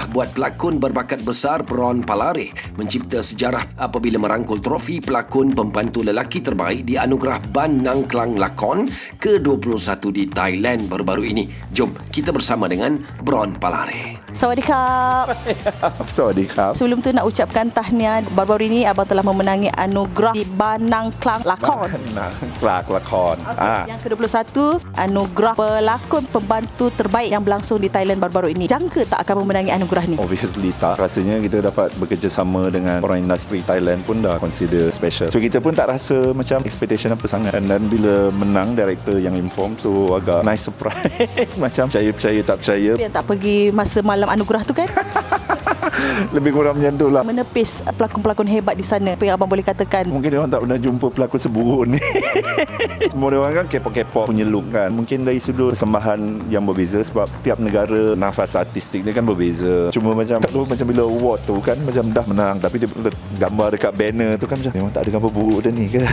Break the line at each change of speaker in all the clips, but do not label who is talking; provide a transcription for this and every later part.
buat pelakon berbakat besar Bron Palare mencipta sejarah apabila merangkul trofi pelakon pembantu lelaki terbaik di anugerah Ban Nang Klang Lakon ke-21 di Thailand baru-baru ini. Jom kita bersama dengan Bron Palare.
Sawadikap.
Sawadikap.
Sebelum tu nak ucapkan tahniah, baru-baru ini abang telah memenangi anugerah di Ban Nang Klang Lakon.
Klang Lakon.
Yang ke-21, anugerah pelakon pembantu terbaik yang berlangsung di Thailand baru-baru ini. Jangka tak akan memenangi anugerah ni?
Obviously tak. Rasanya kita dapat bekerjasama dengan orang industri Thailand pun dah consider special. So kita pun tak rasa macam expectation apa sangat. Dan bila menang, director yang inform, so agak nice surprise. Macam percaya tak percaya.
Yang tak pergi masa malam anugerah tu kan?
Lebih kurang macam tu lah.
Menepis pelakon-pelakon hebat di sana. Apa yang abang boleh katakan?
Mungkin dia orang tak pernah jumpa pelakon seburuk ni. Semua dia orang kan K-pop punya look kan. Mungkin dari sudut persembahan yang berbeza sebab setiap negara nafas artistik dia kan berbeza. Cuma macam tak tahu, macam bila award tu kan macam dah menang tapi dia gambar dekat banner tu kan macam memang tak ada gambar buruk dah ni ke.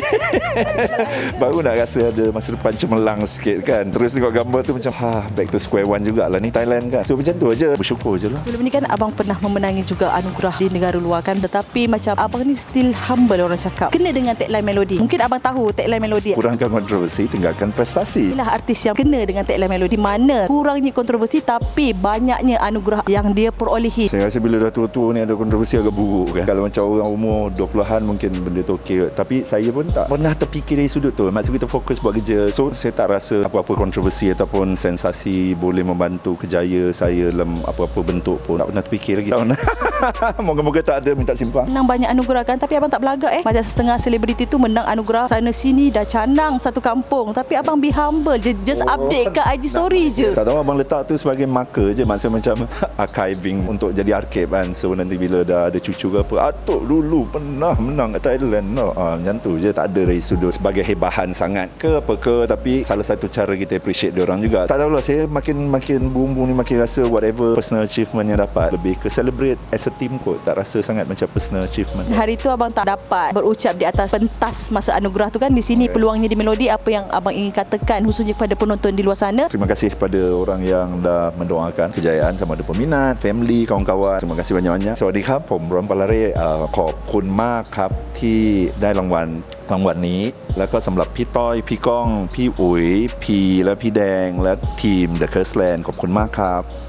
Baru nak rasa ada masa depan cemerlang sikit kan. Terus tengok gambar tu macam back to square one jugalah ni Thailand kan. So macam tu aja. Bersyukur je lah.
Sebelum ni kan abang pernah memenangi juga anugerah di negara luar kan, tetapi macam abang ni still humble orang cakap. Kena dengan tagline melodi. Mungkin abang tahu tagline melodi.
Kurangkan kontroversi, tinggalkan prestasi.
Inilah artis yang kena dengan tagline melodi, mana kurangnya kontroversi tapi banyaknya anugerah yang dia perolehi.
Saya rasa bila dah tua-tua ni ada kontroversi agak buruk kan. Kalau macam orang umur 20-an mungkin benda tu okey. Tapi saya pun tak pernah terfikir dari sudut tu. Maksud kita fokus buat kerja. So saya tak rasa apa-apa kontroversi ataupun sensasi boleh membantu kerjaya saya dalam apa-apa bentuk pun. Tak pernah terfikir lagi. Moga-moga tak ada minta simpang.
Menang banyak anugerah kan, tapi abang tak belagak Macam setengah selebriti tu menang anugerah sana sini dah canang satu kampung. Tapi abang be humble je, just update kat IG story je.
Tak tahu, abang letak tu sebagai marker je. Maksud macam archiving untuk jadi archive kan. So nanti bila dah ada cucu ke apa, Atuk dulu pernah menang kat Thailand. Macam tu je. Tak ada dari sudut sebagai hebahan sangat ke apa ke. Tapi salah satu cara kita appreciate diorang juga. Tak tahulah, saya makin bumbung ni makin rasa whatever personal achievement yang dapat lebih ke celebrate as a team kot. Tak rasa sangat macam personal achievement.
Hari tu abang tak dapat berucap di atas pentas masa anugerah tu kan. Di sini peluangnya di Melodi. Apa yang abang ingin katakan khususnya kepada penonton di luar sana?
Terima kasih kepada orang yang dah mendoakan kejayaan, sama ada peminat, family, kawan-kawan. Terima kasih banyak-banyak. Sawadikap, ผม Bron Palare ขอบคุณมากครับที่ได้รางวัลนี้แล้วก็สำหรับพี่ต้อยพี่ก้องพี่อุ๋ยพีและพี่แดงและทีม The Curse Land ขอบคุณมากครับ